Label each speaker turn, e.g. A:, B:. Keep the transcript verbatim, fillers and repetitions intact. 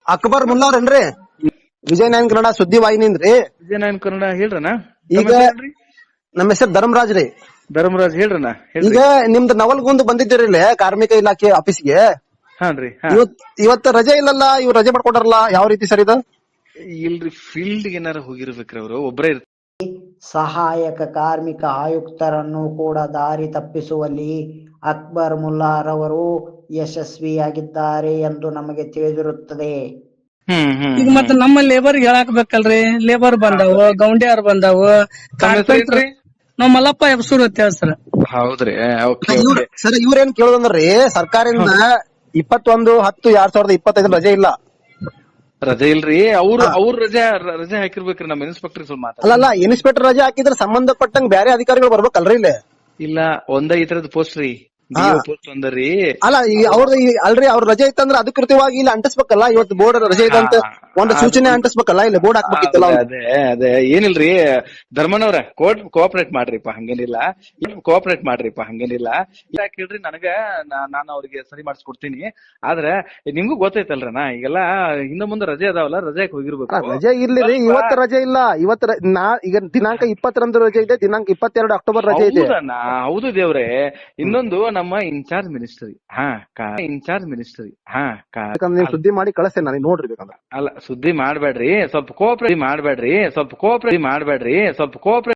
A: ಅಕ್ಬರ್ ಮುಲ್ಲಾವ್ರೇನ್ರಿ? ವಿಜಯ್ ನೈನ್ ಕನ್ನಡ ಸುದ್ದಿ ವಾಹಿನಿಂದ್ರಿ.
B: ವಿಜಯ ನೈನ್ ಕನ್ನಡ ಹೇಳ್ರಣ್ಣ.
A: ಈಗ ನಮ್ಮ ಹೆಸರು ಧರ್ಮರಾಜ್ ರೀ.
B: ಧರ್ಮರಾಜ್ ಹೇಳ್ರಣ್ಣ.
A: ಈಗ ನಿಮ್ದು ನವಲ್ಗುಂದ್ ಬಂದಿದ್ದೀರಿ ಇಲ್ಲಿ ಕಾರ್ಮಿಕ ಇಲಾಖೆ ಆಫೀಸ್ಗೆ.
B: ಹಾನ್ರಿ.
A: ಇವತ್ ಇವತ್ತು ರಜೆ ಇಲ್ಲಲ್ಲ, ಇವ್ ರಜೆ ಮಾಡ್ಕೊಟ್ಟಾರಲ್ಲ, ಯಾವ ರೀತಿ ಸರ್ ಇದು?
B: ಇಲ್ರಿ, ಫೀಲ್ಡ್ ಏನಾರ ಹೋಗಿರ್ಬೇಕ್ರಿ ಅವ್ರು, ಒಬ್ರೇ ಇರ್ತಾರೆ.
C: ಸಹಾಯಕ ಕಾರ್ಮಿಕ ಆಯುಕ್ತರನ್ನು ಕೂಡ ದಾರಿ ತಪ್ಪಿಸುವಲ್ಲಿ ಅಕ್ಬರ್ ಮುಲ್ಲಾರವರು ಯಶಸ್ವಿಯಾಗಿದ್ದಾರೆ ಎಂದು ನಮಗೆ ತಿಳಿದಿರುತ್ತದೆ.
D: ಈಗ ಮತ್ತೆ ನಮ್ಮ ಲೇಬರ್ ಹೇಳಾಕ್ ಬೇಕಲ್ರಿ. ಲೇಬರ್ ಬಂದಾವು, ಗೌಂಡ್ಯಾರ್ ಬಂದಾವು, ಕಾರ್ಪೆಂಟರ್ ನಾವ್ ಮಲ್ಲಪ್ಪ ಎಬ್ಸೂರ್ ಅಂತ ಹೇಳಿ ಸರ್.
B: ಹೌದ್ರಿ.
A: ಸರ್ ಇವ್ರೇನ್ ಕೇಳೋದಂದ್ರಿ, ಸರ್ಕಾರದಿಂದ ಇಪ್ಪತ್ತೊಂದು ಹತ್ತು ಎರಡ್ ಸಾವಿರದ ಇಪ್ಪತ್ತೈದು ರಜೆ ಇಲ್ಲ.
B: ರಜೆ ಇಲ್ರಿ, ಅವ್ರು ಅವ್ರ ರಜೆ ರಜೆ ಹಾಕಿರ್ಬೇಕ್ರಿ. ನಮ್ಮ ಇನ್ಸ್ಪೆಕ್ಟರ್ ಸ್ವಲ್ಪ ಮಾತಾಡ.
A: ಅಲ್ಲಲ್ಲ, ಇನ್ಸ್ಪೆಕ್ಟರ್ ರಜೆ ಹಾಕಿದ್ರೆ ಸಂಬಂಧಪಟ್ಟಂಗ್ ಬೇರೆ ಅಧಿಕಾರಿಗಳು ಬರ್ಬೇಕಲ್ರಿ ಇಲ್ಲಿ?
B: ಇಲ್ಲ, ಒಂದ ಈ ತರದ್ ಪೋಸ್ಟ್ ರೀ, ಪೋಸ್ಟ್ ಒಂದರಿ.
A: ಅಲ್ಲ ಈಗ ಅವ್ರದ್ದು ಅಲ್ರಿ, ಅವ್ರ ರಜೆ ಇತ್ತಂದ್ರೆ ಅಧಿಕೃತವಾಗಿ ಇಲ್ಲಿ ಅಂಟಿಸ್ಬೇಕಲ್ಲ. ಇವತ್ತು ಬೋರ್ಡ್ ರಜೆ ಇದೆ ಅಂತ ಒಂದು ಸೂಚನೆ ಅಂಟಿಸ್ಬೇಕಲ್ಲ, ಇಲ್ಲಿ ಬೋರ್ಡ್ ಹಾಕ್ಬೇಕಿತ್ತಲ್ಲ.
B: ಅದೇ ಅದೇ ಏನಿಲ್ರಿ ಧರ್ಮನವ್ರ, ಕೋಟ್ ಕೋಆಪರೇಟ್ ಮಾಡ್ರಿಪ್ಪ, ಹಂಗೇನಿಲ್ಲ. ಕೋಆಪರೇಟ್ ಮಾಡ್ರಿಪ್ಪ, ಹಂಗೇನಿಲ್ಲ. ಯಾಕೆ ಹೇಳ್ರಿ, ನನಗ ನಾನು ಅವ್ರಿಗೆ ಸರಿ ಮಾಡಿಸ್ಕೊಡ್ತೀನಿ. ಆದ್ರೆ ನಿಮ್ಗೂ ಗೊತ್ತೈತಲ್ರಣ್ಣ, ಈಗೆಲ್ಲ ಹಿಂದ ಮುಂದೆ ರಜೆ ಅದಾವಲ್ಲ, ರಜೆಗೆ ಹೋಗಿರ್ಬೇಕು.
A: ರಜೆ ಇರ್ಲಿ ರೀ, ಇವತ್ತು ರಜೆ ಇಲ್ಲ. ಇವತ್ತು ನಾ ಈಗ ದಿನಾಂಕ ಇಪ್ಪತ್ತರಂದು ರಜೆ ಇದೆ, ದಿನಾಂಕ ಇಪ್ಪತ್ತೆರಡು ಅಕ್ಟೋಬರ್ ರಜೆ ಇದೆ.
B: ಹೌದು ದೇವ್ರೆ. ಇನ್ನೊಂದು ನಮ್ಮ ಇನ್ಚಾರ್ಜ್ ಮಿನಿಸ್ಟ್ರಿ, ಹಾ ಇನ್ಚಾರ್ಜ್ ಮಿನಿಸ್ಟ್ರಿ, ಹಾ
A: ನೀವು ಸುದ್ದಿ ಮಾಡಿ ಕಳಿಸ್ತೇನೆ ನನಗೆ, ನೋಡ್ರಿ ಬೇಕಂದ್ರೆ.
B: ಅಲ್ಲ, ಸುದ್ದಿ ಮಾಡ್ಬೇಡ್ರಿ, ಸ್ವಲ್ಪ ಕೋಆಪರೇಟ್ ಮಾಡ್ಬೇಡ್ರಿ, ಸ್ವಲ್ಪ ಕೋಆಪರೇಟ್ ಮಾಡ್ಬೇಡ್ರಿ, ಸ್ವಲ್ಪ ಕೋಆಪರೇಟ್